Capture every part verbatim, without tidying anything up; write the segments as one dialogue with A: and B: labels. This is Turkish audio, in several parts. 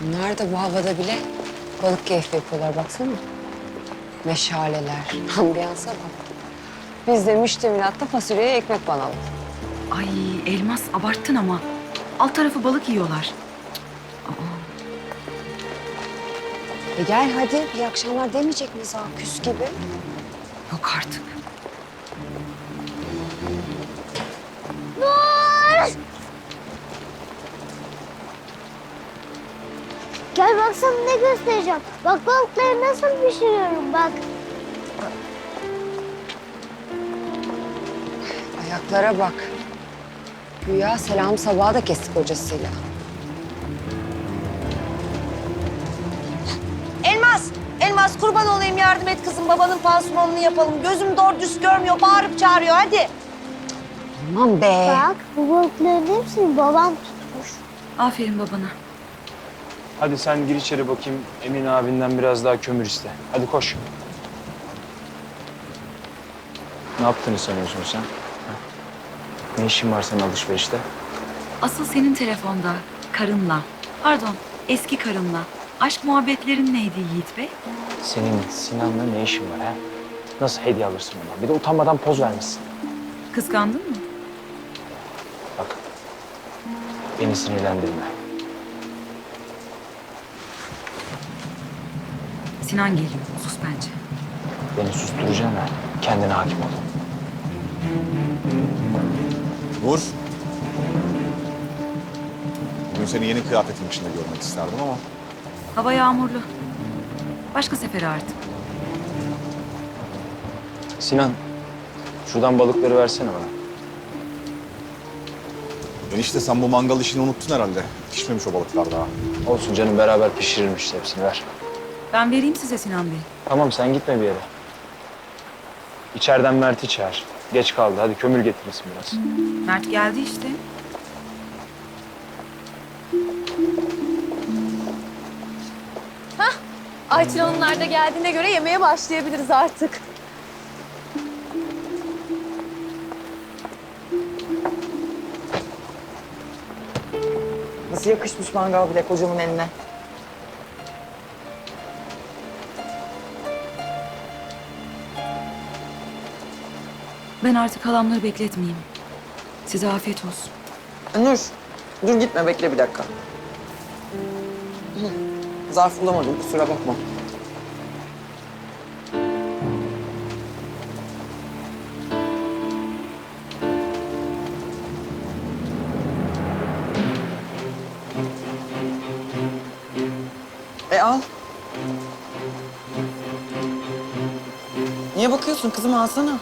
A: Bunlar da bu havada bile balık keyfi yapıyorlar baksana. Meşaleler, ambiyansa bak. Biz de müştemilatta fasulyeye ekmek banalım.
B: Ay Elmas abarttın ama. Alt tarafı balık yiyorlar.
A: E gel hadi, iyi akşamlar demeyecek miyiz ha küs gibi?
B: Yok artık.
C: Gel baksana ne göstereceğim. Bak balıkları nasıl pişiriyorum bak.
A: Ayaklara bak. Güya selam sabaha da kestik hocasıyla.
D: Elmas, Elmas kurban olayım yardım et kızım. Babanın pansumanını yapalım. Gözüm doğru düz görmüyor, bağırıp çağırıyor hadi.
A: Aman be.
C: Bak bu balıkların hepsini babam tutmuş.
B: Aferin babana.
E: Hadi sen gir içeri bakayım. Emin abinden biraz daha kömür iste. Hadi koş. Ne yaptığını sanıyorsun sen? Ha? Ne işin var senin alışverişte?
B: Asıl senin telefonda, karınla. Pardon, eski karınla. Aşk muhabbetlerin neydi Yiğit Bey?
E: Senin Sinan'la ne işin var ha? Nasıl hediye alırsın ona? Bir de utanmadan poz vermişsin.
B: Kıskandın mı?
E: Bak, beni sinirlendirme.
B: Sinan geliyor, sus bence.
E: Beni susturacaksın ha. Kendine hakim ol.
F: Nur. Bugün seni yeni kıyafetin içinde görmek isterdim ama
B: Hava yağmurlu. Başka sefere artık.
E: Sinan, şuradan balıkları versene bana.
F: enişte sen bu mangal işini unuttun herhalde. Pişmemiş o balıklar daha.
E: Olsun canım, beraber pişirirmiş hepsini, ver.
B: Ben vereyim size Sinan Bey.
E: Tamam, sen gitme bir yere. İçeriden Mert'i çağır. Geç kaldı, hadi kömür getirirsin biraz.
B: Mert geldi işte.
G: Ayçin Hanımlar da geldiğine göre yemeğe başlayabiliriz artık.
H: Nasıl yakışmış mangal bile kocamın eline.
B: Ben artık halamları bekletmeyeyim. Size afiyet olsun.
H: Nur, dur gitme bekle bir dakika. Hı, zarf bulamadım kusura bakma. E al. Niye bakıyorsun kızım, alsana.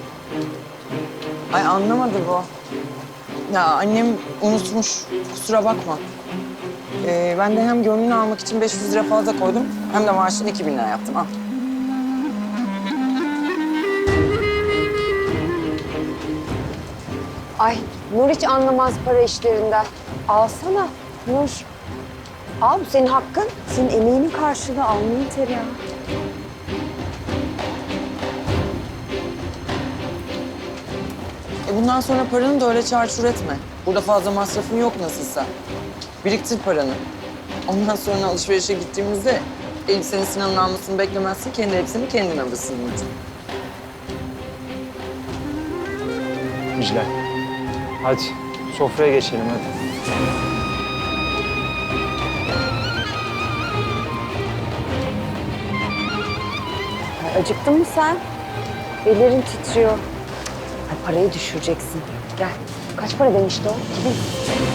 H: Ay anlamadı bu. Ya annem unutmuş, kusura bakma. Ee, ben de hem gönlünü almak için beş yüz lira fazla koydum, hem de maaşını iki bin lira yaptım. Al.
A: Ay Nur hiç anlamaz para işlerinden. Alsana Nur. Al, bu senin hakkın. Senin emeğinin karşılığı, alnının teri ya.
H: E bundan sonra paranı da öyle çarçur etme. Burada fazla masrafın yok nasılsa. Biriktir paranı. Ondan sonra alışverişe gittiğimizde elbisenin Sinan'ın almasını beklemezsin, kendi elbiseni kendin alırsın.
E: İclal. Hadi, sofraya geçelim hadi.
A: Ay, acıktın mı sen? Ellerin titriyor. Ay, parayı düşüreceksin. Gel. Kaç para demişti o? İki bin.